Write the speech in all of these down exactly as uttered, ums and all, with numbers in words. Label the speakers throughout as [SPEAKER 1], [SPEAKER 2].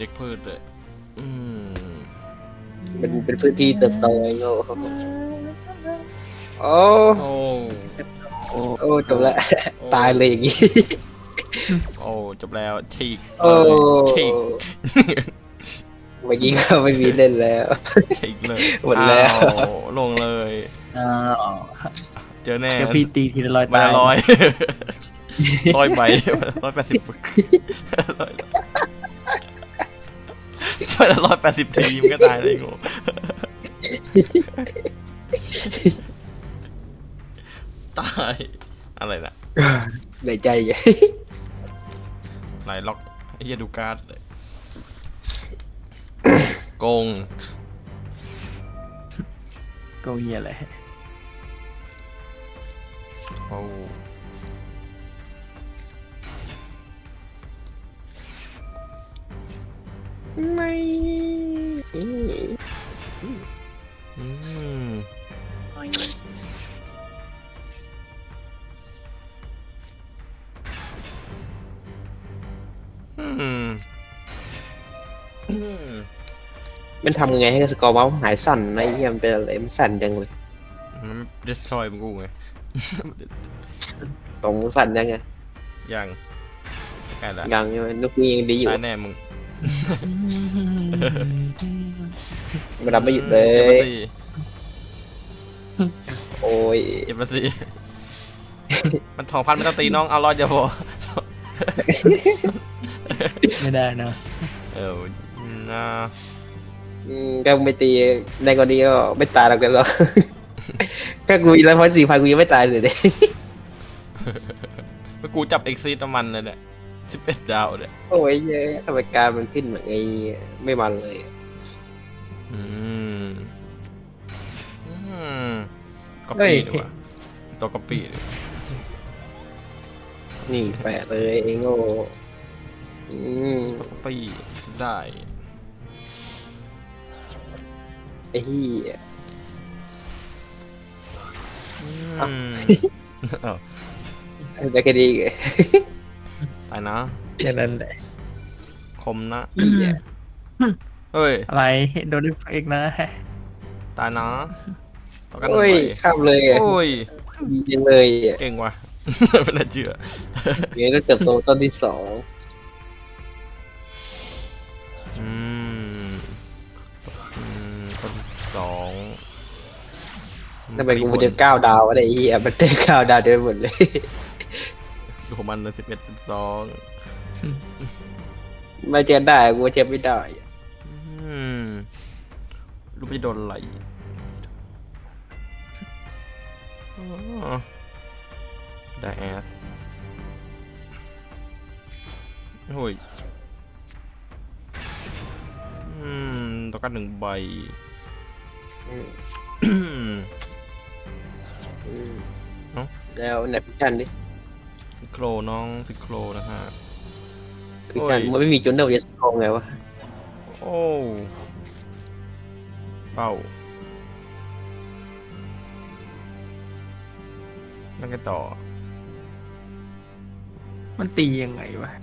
[SPEAKER 1] เด็กพืชเลยอืม
[SPEAKER 2] มันเป็นพื้นที่เติบโตไอ้โง่โอ้
[SPEAKER 1] โอ้
[SPEAKER 3] โอ้
[SPEAKER 2] โอ้จบละ
[SPEAKER 1] โอ้
[SPEAKER 2] ตายเลยอย่างงี้
[SPEAKER 1] โอ้จบแล้วฉีก
[SPEAKER 2] โอ้
[SPEAKER 1] เลยฉีก
[SPEAKER 2] เมื่อกี้ก็ไม่มีเล่นแล้ว
[SPEAKER 1] ฉีกเลย
[SPEAKER 2] หมดแล้ว
[SPEAKER 1] อ้าวลงเลย
[SPEAKER 3] อ้าว
[SPEAKER 1] เจอแน่
[SPEAKER 3] เดี๋ยวพี่ตีทีละร้อย
[SPEAKER 1] มา
[SPEAKER 3] ตาย
[SPEAKER 1] ละร้อยร้อยใบร้อยแปดสิบมาละร้อยแปดสิบทีมนก็ตายเลยงูตายอะไรน่ะ
[SPEAKER 2] ในใจอย่า
[SPEAKER 1] ไหนล็อกไอ้เหี้ยดูการ์ดเลยโกง
[SPEAKER 3] โกเฮียอะไร
[SPEAKER 1] โอ้
[SPEAKER 2] ไม่
[SPEAKER 1] อืมอืมอืม
[SPEAKER 2] มันทำไงให้สกอร์เมาส์หายสั่นไอ้เหี้ยมันเป็นอะไรมันสั่นจังเลย
[SPEAKER 1] มัน destroy มึงกูไง
[SPEAKER 2] ของมึงสั่นยังไง
[SPEAKER 1] ยังใกล้ละ
[SPEAKER 2] ยังใช่ไหมนุกนี้ยังดีอยู่
[SPEAKER 1] ตายแน่มึง
[SPEAKER 2] มันรับไม่หยุดเล
[SPEAKER 1] เจ็บ
[SPEAKER 2] ย
[SPEAKER 1] มาสิ
[SPEAKER 2] โอ้ย
[SPEAKER 1] เจ็บมาสิมันทองพันไม่ต้องตีน้องเอารอดอย่าพอ
[SPEAKER 3] ไม่ได้นะ
[SPEAKER 1] เออนะ
[SPEAKER 2] อืมก็ไม่ตีในกรณีก็ไม่ตายหรอกเดี๋ยวหรอก ก็กูอีกแล้วเพราะสี่พันกูยังไม่ตายเลยเด้
[SPEAKER 1] เมื่อกูจับเอ็กซีตมันเลยเนี่ยสิบเอ็ดดาวเนี่ย
[SPEAKER 2] โอ้ยเย้ทำไมการมันขึ้นแบบไอ้ไม่มันเลย
[SPEAKER 1] อืมอืมก๊อป
[SPEAKER 3] เฮ้ย
[SPEAKER 1] ปี้ดีกว่าตัวก๊อปปี้ดีกว่า
[SPEAKER 2] นี่แปะเลยไอ้โง่อืม
[SPEAKER 1] ตัวก๊อปปี้ได้
[SPEAKER 2] ไอ้เหี้ย
[SPEAKER 1] อืมเออ
[SPEAKER 2] ได้แค่ดีไง
[SPEAKER 1] ตายนะ
[SPEAKER 3] แค่นั้นแหละ
[SPEAKER 1] คมนะ
[SPEAKER 2] เหี้ย
[SPEAKER 1] เฮ้ย
[SPEAKER 3] อะไรโดนดิฟเอกนะ
[SPEAKER 1] ตายนะต่อกันหนึ่ง
[SPEAKER 2] โอ้ย
[SPEAKER 1] ใบ
[SPEAKER 2] ข้ามเลยอ่ะ
[SPEAKER 1] โอ้ย
[SPEAKER 2] ดีจังเลยอ่ะ
[SPEAKER 1] เก่งว่ะ ไม่น่าเชื่อ
[SPEAKER 2] เงี้ยต้องเติบโตต้นที่สอง
[SPEAKER 1] อืมอืมต้นสอง
[SPEAKER 2] ทำไมกูมันจะเก้าดาววะเนี่ยไอ้เหี้ยมันได้เก้าดาวเต็มไปหมดเลย
[SPEAKER 1] ดูของมันเลยสิบเอ็ดสิบสอง
[SPEAKER 2] ไม่เจอได้กูเจอไม่ได้อะ
[SPEAKER 1] อืมรู้ไปโดนอะไรอ๋อได้แอสโอ้ยอืมต้องการหนึ่งใบ
[SPEAKER 2] อืม
[SPEAKER 1] อืม
[SPEAKER 2] อืม
[SPEAKER 1] เอ้า
[SPEAKER 2] แล้วไหนพิชันดิ
[SPEAKER 1] ซิโครน้องซิโครนะฮะ
[SPEAKER 2] พิชัน
[SPEAKER 1] โอ้ย
[SPEAKER 2] มันไม่มีจุดเดียวจะสกองไงวะ
[SPEAKER 1] โอ้เป้าแล้วกันต่อ
[SPEAKER 3] มันตียังไงวะ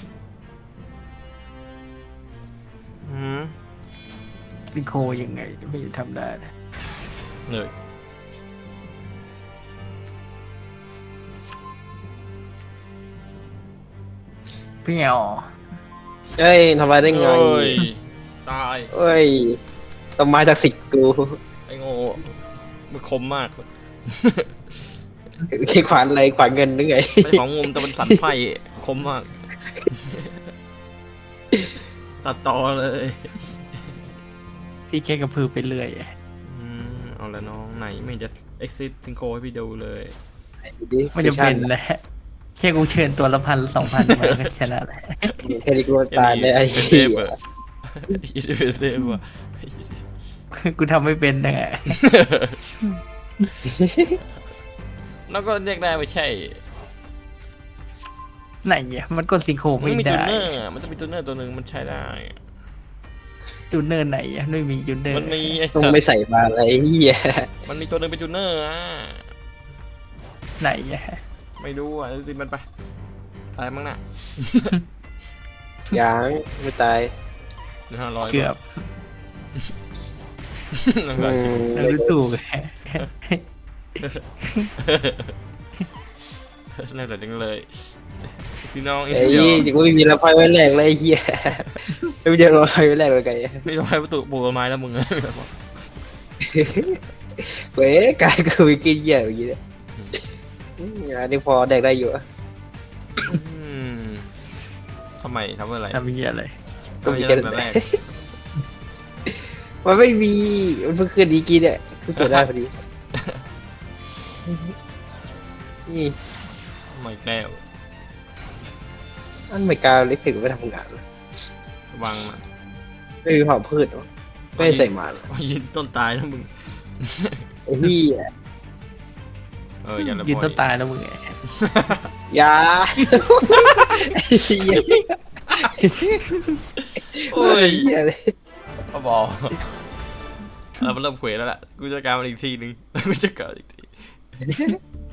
[SPEAKER 1] อืม
[SPEAKER 3] ซิโคยังไงไม่ทำได้นะ
[SPEAKER 1] เลย
[SPEAKER 3] พี่เงา
[SPEAKER 2] เอ้ยทำอะไรได้ไง
[SPEAKER 1] เอ้ยตาย
[SPEAKER 2] เอ้ยต้นไม้จากสิทธิ์กู
[SPEAKER 1] ไอ้โง่มันคมมาก
[SPEAKER 2] ไอ้ขวานอะไรขวานเงินหรือไง
[SPEAKER 1] ไม่ของงมแต่มันสันไฟคมมาก ตัดต่อเลย
[SPEAKER 3] พี่แค่กระพือไปเรื่อย
[SPEAKER 1] อืมเอาละน้องไหนไม่จะ exit ซิงโคให้พี่ดูเลย
[SPEAKER 3] มันจะเป็นแหละแค่กูเชิญตัวละพันสองพันมาก็ชนะแหละ
[SPEAKER 2] แค่นี้กูตายเลยไอ้
[SPEAKER 1] เป็นเซ
[SPEAKER 2] เหี้
[SPEAKER 1] ฟ
[SPEAKER 2] ย
[SPEAKER 1] อะเป็นเซฟอะ
[SPEAKER 3] กูทำไม่เป็นนะ
[SPEAKER 1] แล้วก็เรียกได้ไม่ใช่
[SPEAKER 3] ไหนอ่ะมันกดซิโค
[SPEAKER 1] มัน
[SPEAKER 3] ไม่
[SPEAKER 1] มีจู
[SPEAKER 3] ได้
[SPEAKER 1] เนอร์อะมันจะมีจูเนอร์ตัวหนึ่งมันใช้ได้
[SPEAKER 3] จูเนอร์ไหนอ่ะไม่มีจูเนอร์
[SPEAKER 1] มันมีไอ้
[SPEAKER 2] ต้อง
[SPEAKER 1] สัต
[SPEAKER 2] ไม่
[SPEAKER 1] ว์
[SPEAKER 2] ใส่มาอะไรเหี้ย
[SPEAKER 1] มันมีตัวหนึ่งเป็นจูเนอร์อะ
[SPEAKER 3] ไหนอ่ะ
[SPEAKER 1] ไม่รู้อ่ะสิมันไปตายมั้งน่ะ
[SPEAKER 2] ยังไม่ตาย
[SPEAKER 1] ห้าร้อย
[SPEAKER 3] เกือบ
[SPEAKER 1] นั่น
[SPEAKER 2] อื
[SPEAKER 1] ก็
[SPEAKER 2] ม
[SPEAKER 3] แล้วดูถูก
[SPEAKER 1] น่าจะจังเลยพี่น้อง
[SPEAKER 2] ไอ้
[SPEAKER 1] เดียว
[SPEAKER 2] ยี่จะกูไม่มีละไฟไว้แรกเลยไอ้เหี้ยไม่มีละไฟไว้แรกเลยไง
[SPEAKER 1] ไม่ต้องให้ประตูปลูกต้นไม้แล้วมึง
[SPEAKER 2] เว้ยกายกูไปกินเหี้ยอย่างงี้เนี่ยอืมอันนี้พอแดกได้อยู่อะ
[SPEAKER 1] อืมทำไมทำอะไร
[SPEAKER 3] ทำเหี้ยอะไร
[SPEAKER 2] ก็มีแค่
[SPEAKER 1] ทำไม
[SPEAKER 2] นั้น
[SPEAKER 1] จะ
[SPEAKER 2] แห
[SPEAKER 1] แร
[SPEAKER 2] ละ
[SPEAKER 1] ก
[SPEAKER 2] มันไม่มีมันเพิ่งคืนนี้กินเนี่ยเพิ่งเกิดได้พอดีนี่
[SPEAKER 1] ทำไมแก้ว
[SPEAKER 2] อันไม่กล้าเล็กถึงไม่ทำงานเลย
[SPEAKER 1] วางมัน
[SPEAKER 2] ไม่มีเผาพืชวะไม่ได้ใส่หมาเลย
[SPEAKER 1] ยืนต้นตายนะมึง
[SPEAKER 2] ไอ้พี่
[SPEAKER 1] เอออย่าละ
[SPEAKER 3] ยืน
[SPEAKER 1] บ่
[SPEAKER 3] ต้
[SPEAKER 1] อน ย
[SPEAKER 3] ตายแล้วมึงไง
[SPEAKER 2] อยาไอ้เหี้ย
[SPEAKER 1] โอ้ย
[SPEAKER 2] เหี้ยเลย
[SPEAKER 1] ก็บอกเราเริ่มเขวแล้วล่ะกูจะการมันอีกทีนึงกูจะการอีกที